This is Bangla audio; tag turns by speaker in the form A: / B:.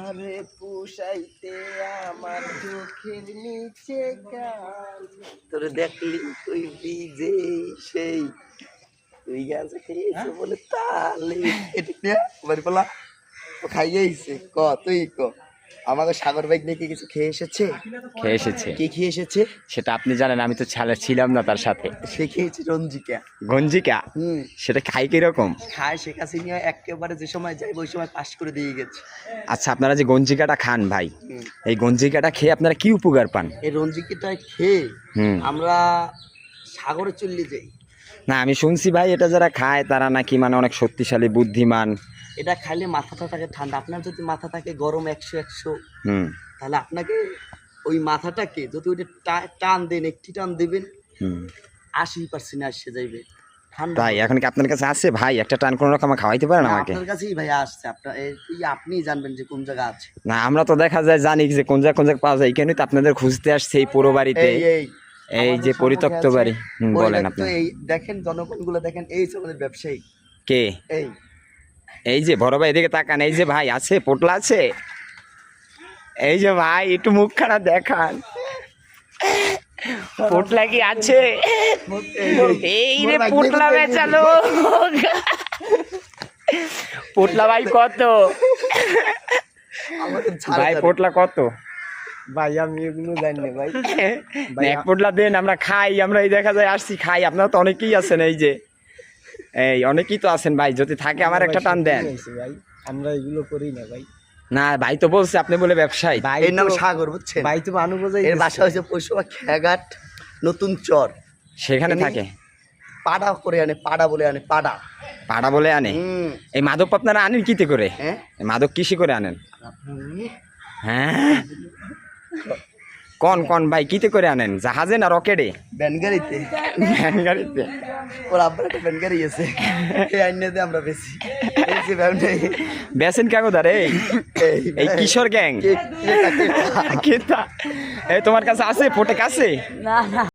A: তারে পুষাইতে আমার চোখের নিচে গান তোর দেখলি তুই ভিজে সেই তুই গাছে খেয়েছো বলে তালে এটা বাড়ি পালা খাইয়েছে ক তুই ক আমাকে সাগর বাইক দেখে কিছু খেয়ে এসেছে কি খেয়ে এসেছে
B: সেটা আপনি জানেন, আমি তো ছিলাম না তার সাথে।
A: সে খেয়েছে রঞ্জিকা
B: গঞ্জিকা, সেটা খাই কিরকম?
A: খায় শেখ হাসিনা একেবারে যে সময় যাইব ওই সময় পাস করে দিয়ে গেছে।
B: আচ্ছা, আপনারা যে গঞ্জিকাটা খান ভাই, এই গঞ্জিকাটা খেয়ে আপনারা কি উপকার পান?
A: এই রঞ্জিকাটা খেয়ে আমরা সাগরে চলে যাই।
B: না, আমি শুনছি ভাই এটা যারা খায় তারা নাকি মানে অনেক শক্তিশালী, বুদ্ধিমান।
A: এটা খাইলে মাথাটা থাকে ঠান্ডা। আপনার যদি মাথা থাকে গরম 100 তাহলে আপনাকে ওই মাথাটাকে যদি ওইটা টান দেন, একটি টান দেবেন 80% আসে যাইবে ঠান্ডা।
B: তাই এখন কি আপনার কাছে আছে ভাই একটা টান কোন রকম খাওয়াইতে পারেন আমাকে?
A: আপনার কাছেই ভাই আসছে, আপনিই জানবেন যে কোন জায়গা আছে।
B: না, আমরা তো দেখা যায় জানি যে কোন জায়গা পাওয়া যায়, কেন তো আপনাদের খুঁজতে আসছে এই পুরো বাড়িতে, এই যে পরিত্যক্ত বাড়ি। বলেন আপনি।
A: এই দেখেন জনগণগুলো দেখেন, এই যে আমাদের ব্যবসায়ী
B: কে, এই যে বড় ভাই এদিকে তাকান, এই যে ভাই আছে, পোটলা আছে, এই যে ভাই একটু মুখখানা দেখান, পোটলা কি আছে? এই রে পোটলা বেচালো। পোটলা ভাই কত ভাই? পোটলা কত
A: ভাই? আমি এগুলো জানি না ভাই।
B: এক পোটলা দেন, আমরা খাই। আমরা এই দেখা যায় আসছি খাই। আপনারা তো অনেকেই আছেন, এই যে এই অনেকেই তো আছেন ভাই, যদি থাকে আমার একটা টান দেন।
A: ভাই আমরা এগুলো করি না ভাই।
B: না ভাই তো বলছে আপনি বলে ব্যবসায়ী।
A: এর নাম সাগর, বুঝছেন ভাই? তো মানুষ বোঝাই। এর বাসা হয়েছে পৌষবা খেয়াঘাট নতুন চর,
B: সেখানে থাকে।
A: পাড়া করে আনে, পাড়া বলে আনে, পাড়া
B: বলে আনে। এই মাদক আপনারা আনেন কিতে করে? মাদক কিসে করে আনেন? হ্যাঁ, কোন ভাই কিতে করে আনেন? জাহাজে না রকেটে?
A: ব্যানগাড়িতে। ওর আব্বার একটা ব্যানগাড়ি আছে, এই আইনে দিয়ে আমরা বেশি
B: বেসেন কাগদারে এই কিশোর গ্যাং। এই তোমার কাছে আছে, ফোটেক আছে?
C: না।